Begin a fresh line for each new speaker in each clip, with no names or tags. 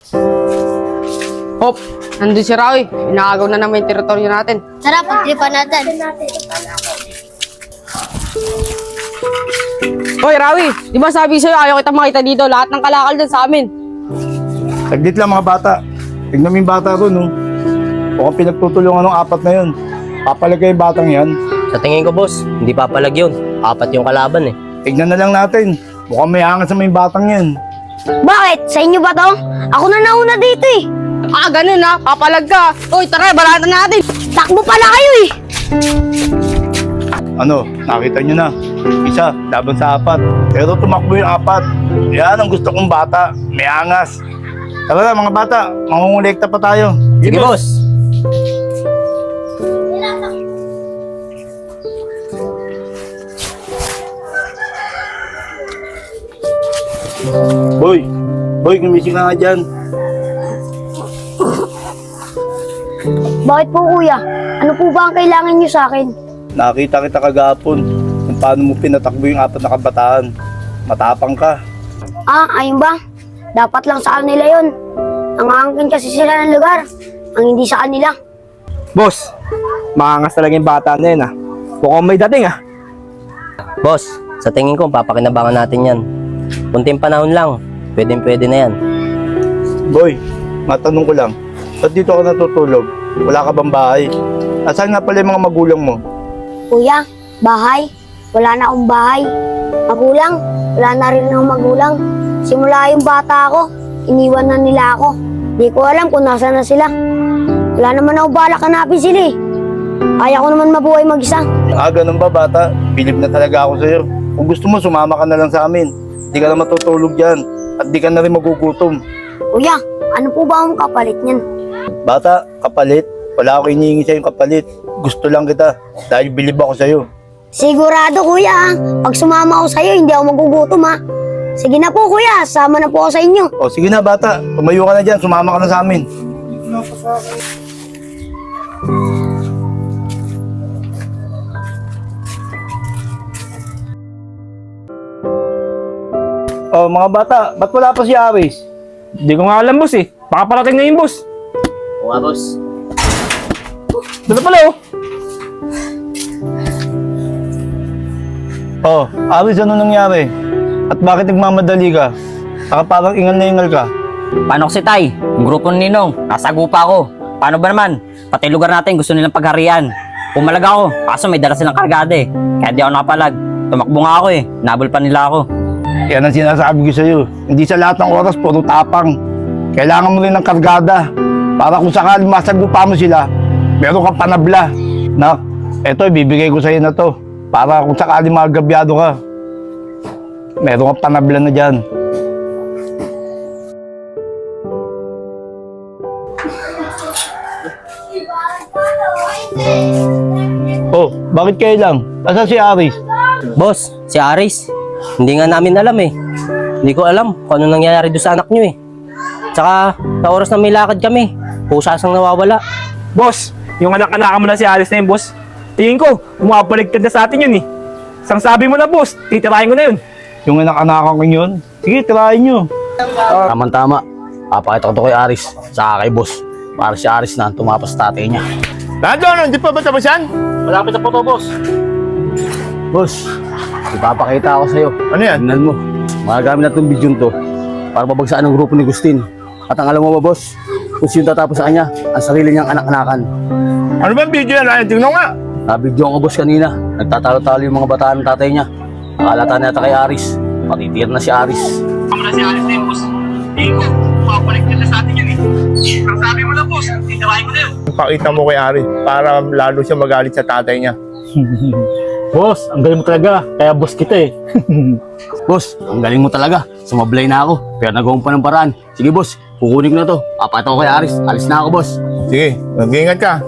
Hop, nandun si Rawi. Inaagaw na naman yung teritoryo natin.
Tara, pagtripan natin.
Hoy, Rawi, di ba sabi sa'yo ayaw kita makita dito? Lahat ng kalakal dyan sa amin.
Saglit lang mga bata. Tignan mo yung bata ron, no? Mukhang pinagtutulungan ng apat na yun. Papalagay yung batang yan.
Sa tingin ko, boss, hindi papalag yun. Apat yung kalaban eh.
Tignan na lang natin. Mukhang may angas sa may batang yan.
Bakit? Sa inyo ba to? Ako na nauna dito eh.
Ah, ganun ha. Papalag ka. Hoy, tara, balatan natin.
Takbo pala kayo eh.
Ano, nakita nyo na. Isa, laban sa apat. Pero tumakbo yung apat. Yan ang gusto kong bata. May angas. Tara na mga bata, mangungulekta pa tayo.
Sige, boss.
Boy, gumising ka nga dyan.
Bakit po kuya? Ano po ba ang kailangan nyo sa akin?
Nakita kita kagapon kung paano mo pinatakbo yung apat na kabataan. Matapang ka.
Ah, ayun ba? Dapat lang sa kanila yun. Nangangkin kasi sila ng lugar. Ang hindi sa kanila.
Boss, maangas talaga yung bata na yun ah. Mukhang may dating ah.
Boss, sa tingin ko, papakinabangan natin yan. Kunting panahon lang, pwede na yan.
Boy, matanong ko lang. Ba't dito ka natutulog? Wala ka bang bahay? Asan nga pala yung mga magulang mo?
Kuya, bahay? Wala na akong bahay. Magulang? Wala na rin akong magulang. Simula yung bata ako, iniwan na nila ako. Di ko alam kung nasa na sila. Wala naman ako balak hanapin sila eh. Kaya ko naman mabuhay mag-isa.
Ah, ganun ba bata? Bilib na talaga ako sa'yo. Kung gusto mo, sumama ka na lang sa amin. Di ka na matutulog dyan. At di ka na rin magugutom.
Kuya, ano po ba ang kapalit niyan?
Bata, kapalit. Wala ako inihingi sa'yo kapalit. Gusto lang kita. Dahil bilib ako sa'yo.
Sigurado kuya ah. Pag sumama ako sa'yo, hindi ako magugutom ha. Sige na po kuya, sama na po ako sa inyo.
O sige na bata, tumayo ka na dyan. Sumama ka na sa amin. Oh, mga bata, ba't wala pa si Aris?
Hindi ko nga alam boss eh. Baka parating na yung boss.
Oo nga, boss.
Dito pala oh.
Oh, Aris, ano nangyari? At bakit nagmamadali ka? Saka parang ingal na ingal ka.
Paano si Tay? Yung grupo ni Ninong, nasa gupa ako. Paano ba naman? Pati lugar natin gusto nilang pagharian. Pumalag ako, kaso may dala silang kargada eh. Kaya di ako nakapalag. Tumakbo nga ako eh, nabol pa nila ako.
Yan ang sinasabi ko sa'yo. Hindi sa lahat ng oras, puro tapang. Kailangan mo rin ng kargada. Para kung sakaling masagupa mo sila, meron kang panabla. Nak, eto, ibibigay ko sa'yo na to. Para kung sakaling magabyado ka, meron kang panabla na dyan. Oh, bakit kayo lang? Asa si Aris?
Boss, si Aris. Hindi nga namin alam eh. Hindi ko alam kung ano nangyayari doon sa anak nyo eh. Tsaka, sa oras na may lakad kami, pusasang nawawala.
Boss, yung anak-anak mo na si Alice na yun boss. Tingin ko, umapaligtad na sa atin yun eh. Sang sabi mo na boss, titirahin ko na yun.
Yung anak-anakan ko yun? Sige, tirahin nyo.
Tama-tama. Papakita ko to kay Aris, saka kay boss. Para si Aris na ang tumapas sa tatay niya.
Nandun, hindi pa ba tapos yan?
Malapit na po to, boss. Boss, ipapakita ako sa'yo.
Ano yan?
Tingnan mo. Magagamit na itong video to para mabagsaan ang grupo ni Gustin. At ang alam mo ba, boss, kung sino tatapos sa kanya, ang sarili niyang anak-anakan.
Ano ba ang video yan? Ay, tingnan nga.
Nabidyo ko, boss, kanina. Nagtatalo-talo yung mga bataan ng tatay niya. Nakalata na yata kay Aris. Patitir na si Aris.
Ako na si Alice na yun boss. Tingin ko, umapaligtad na sa atin yun eh. Sang sabi mo na boss, titirahin ko na yun.
Pakita mo kay Ari para lalo siya magalit sa tatay niya.
Boss, ang galing mo talaga. Kaya boss kita eh. Boss, ang galing mo talaga. Sumablay na ako. Pero nagawang pa ng paraan. Sige boss, kukunin ko na to. Papakita ko kay Aris. Alis na ako, boss.
Sige, mag-iingat ka.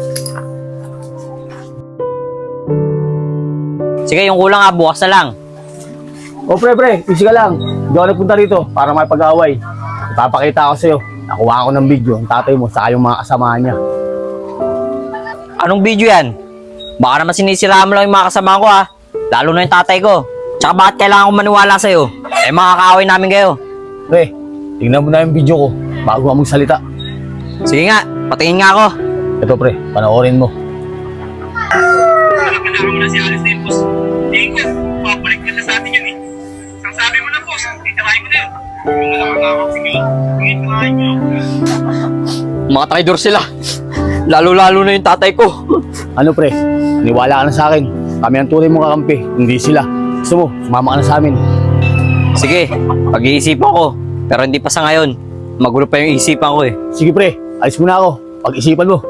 Sige, yung kulang nga, bukas na lang.
O pre, easy ka lang. Hindi ako nagpunta rito para may pag-away. Ipapakita ako sa'yo. Nakuha ko ng video ang tatay mo sa yung mga kasamahan niya.
Anong video yan? Baka naman sinisiraan mo lang yung mga kasama ko ha. Lalo na yung tatay ko. Tsaka bakit kailangan ko maniwala sa'yo? Eh mga kaaway namin kayo.
Pre, tingnan mo na yung video ko. bago ka magsalita.
Sige nga, patingin nga ako.
Ito pre, panoorin mo.
Nalakalakan mo na si Aris na yun, boss. Tingin ko, mabaliktad na sa atin yun eh. Ang sabi mo na, boss, titirahin mo na yun. Yung nakakakapin yun, titirahin nyo.
Mga traidor sila. Lalo-lalo na yung tatay ko.
Ano pre, niwala ka na sa akin. Kami ang tunay mong kakampi, hindi sila. Gusto mo, sumama ka na sa amin.
Sige, pag-iisipan ko. Pero hindi pa sa ngayon. Magulo pa yung isipan ko eh.
Sige pre, alis mo na ako. Pag-isipan mo.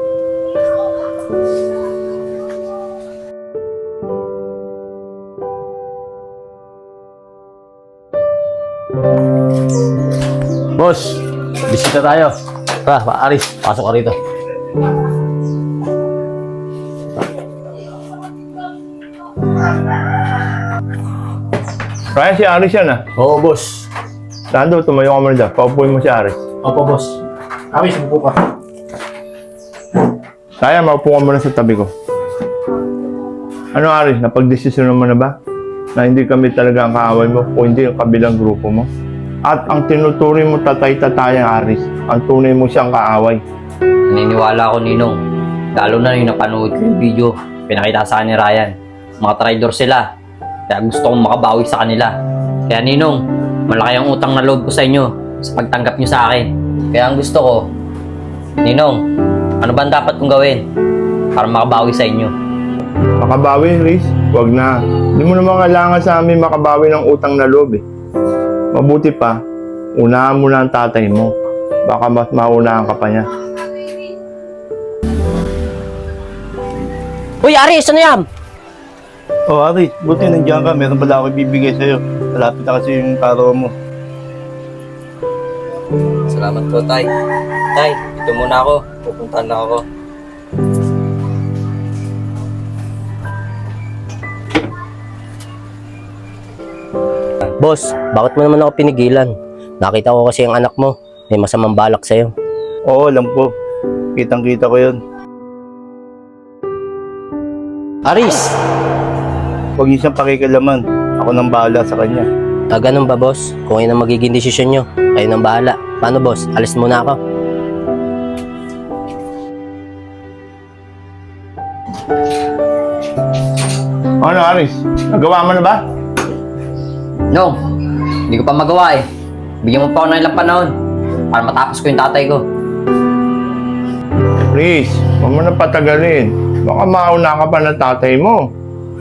Boss, bisita tayo. Tara, Aris, pasok ka rito.
Ryan, si Aris yan ah.
Oo, boss.
Lando, tumayo ka muna dyan. Paupuin mo si Aris.
Opo, boss. Aris, umupo ka.
Kaya, maupo ka muna sa tabi ko. Ano Aris, napag-desisyon mo na ba? Na hindi kami talaga ang kaaway mo o hindi ang kabilang grupo mo? At ang tinuturing mo tatay-tatayang Aris, ang tunay mo siyang kaaway.
Naniniwala ako, Ninong. Lalo na yung napanood ko yung video. Pinakita sa akin ni Ryan. Mga traidor sila. Kaya gusto kong makabawi sa kanila. Kaya Ninong, malaki ang utang na loob ko sa inyo sa pagtanggap nyo sa akin. Kaya ang gusto ko, Ninong, ano ba ang dapat kong gawin para makabawi sa inyo?
Makabawi, Riz? Huwag na. Hindi mo naman kailangan sa amin makabawi ng utang na loob eh. Mabuti pa, unahan mo na ang tatay mo. Baka mas maunahan ka pa niya.
Uy, Aris, ano yan?
Oh, Aris, buti nandiyan ka. Meron pala ako ibibigay sa'yo. Malapit na kasi yung karawa mo.
Salamat po, Tay. Tay, dito muna ako. Pupuntahan na ako.
Boss, bakit mo naman ako pinigilan? Nakita ko kasi ang anak mo. May masamang balak sa'yo.
Oo, alam ko. Kitang-kita ko yun.
Aris!
Huwag niyo siyang pakikilaman. Ako nang bahala sa kanya.
Ganun ba, boss? Kung yun ang magiging desisyon nyo, kayo nang bahala. Paano, boss? Alis muna ako.
Ano, Aris? Nagawa mo na ba?
No, hindi ko pa magawa eh. Bigyan mo pa ako ng ilang panahon para matapos ko yung tatay ko.
Please, huwag mo na patagalin. Baka mauna ka pa ng tatay mo.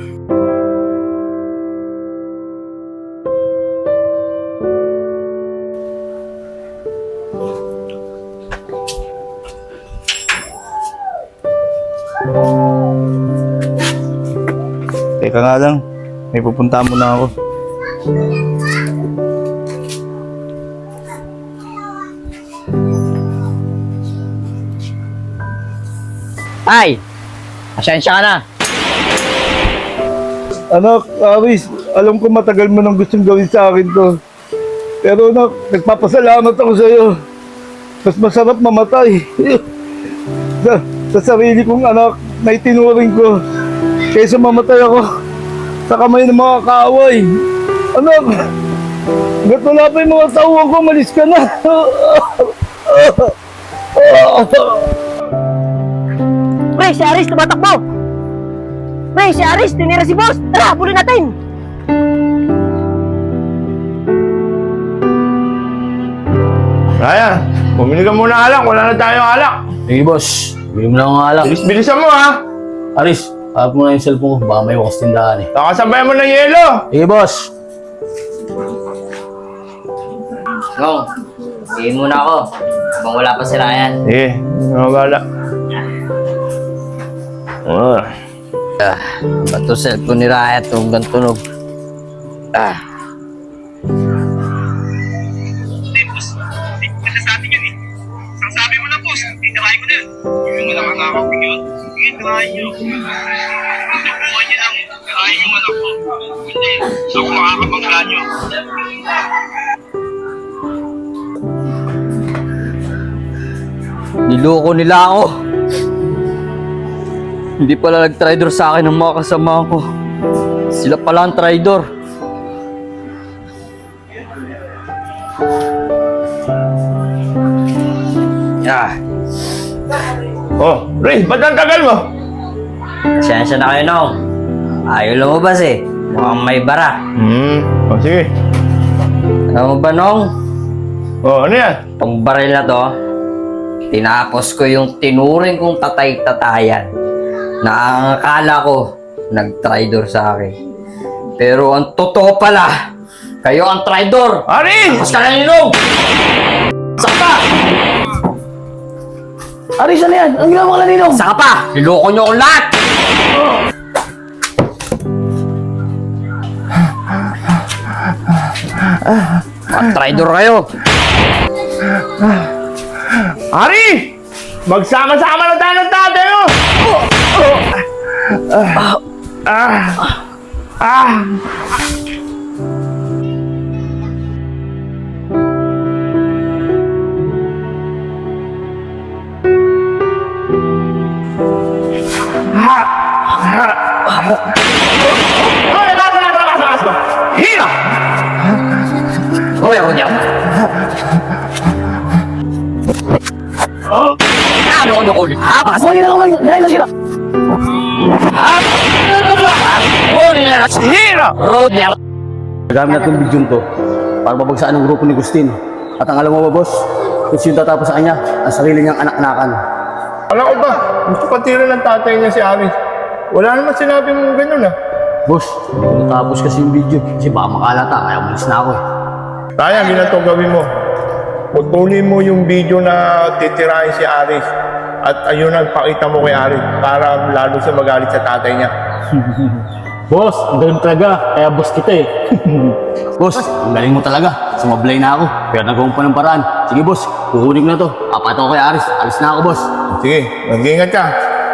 Teka nga lang, may pupunta muna ako.
Ay! Asensya ka na.
Anak, Aris, alam ko matagal mo nang gustong gawin sa akin to. Pero anak, nagpapasalamat ako sa iyo. Mas masarap mamatay. sa sarili kong anak na itinuring ko kaysa mamatay ako sa kamay ng mga kaaway. Anak, ba't wala pa yung mga tauhan ko, malis ka na.
Pre, si Aris, tumatakbo! Pre, si Aris, tinira si boss! Tara, bulin natin!
Ryan, bumili ka muna alak. Wala na tayong alak.
Sige, boss. Bigyan mo na akong alak.
Bilisan mo ha.
Aris, harap mo na yung cellphone ko. Baka may wakas tindahan eh.
Nakasabay mo ng yelo.
Sige, boss.
No, hindi muna ako. Habang wala pa si Ryan.
Sige, mabala.
Bato cellphone ni Ryan. Tunog.
Sa atin yun eh. Ang sabi mo na, boss, titirahin ko na yun. Yung nakakakapin yun, titirahin nyo. Nabuhay niyo lang, titirahin yung anak ko. Hindi, ako makakapangla nyo.
Niloko nila ako. Hindi pala nag-traidor sa akin ng mga kasama ko. Sila pala ang traidor.
Oh, Ray, ba't ang tagal mo?
Siyensya na kayo, Nong. Ayaw lumabas eh. Mukhang may bara.
Oh, sige.
Alam mo ba, Nong?
Oh, ano yan?
Itong baril na to, tinapos ko yung tinuring kong tatay-tatayan na ang akala ko nag-traitor sa akin. Pero ang totoo pala, kayo ang traitor!
Aris!
Tapos ka na ninong! Saka pa!
Aris, ano yan? Ang ginawa mo ka na ninong?
Saka pa! Niloko nyo akong lahat! Mga traitor kayo!
Ari! Magsama-sama na tayo ng tatay mo! Hira!
Hoy, ako niya! Ano ko ulit?
Sige na naman, dahil na sila.
Hira!
Road niya!
Nagamit natin yung video to para mabagsaan ang grupo ni Gustin. At ang alam mo ba, boss, kung sino tatapos sa kanya, ang sarili niyang anak-anakan.
Alam ko ba, gusto patira ng tatay niya si Aris. Wala naman sinabi mong ganun ah.
Boss, kung natapos kasi yung video, kasi baka makalata, kaya umalis na ako eh.
Kaya, ginanto gawin mo. Putulin mo yung video na titirahin si Aris. At ayun ang pakita mo kay Aris para lalo siya magalit sa tatay niya.
Boss, ang galing mo talaga, kaya boss kita eh. Boss, ang galing mo talaga, sumablay na ako, pero nagawang pa ng paraan. Sige boss, kukunin ko na to, apat ako kay Aris, alis na ako boss.
Sige, mag-ingat ka.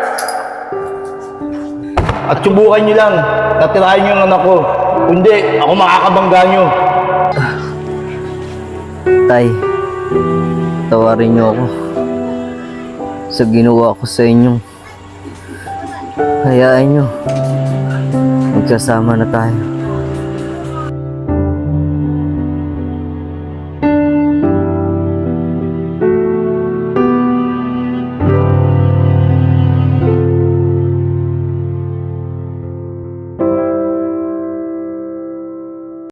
At subukan niyo lang, natirahin niyo ang anak ko. Kundi, ako makakabangga niyo.
Tay, tawarin niyo ako sa ginawa ko sa inyong. Hayaan niyo, magsasama na tayo.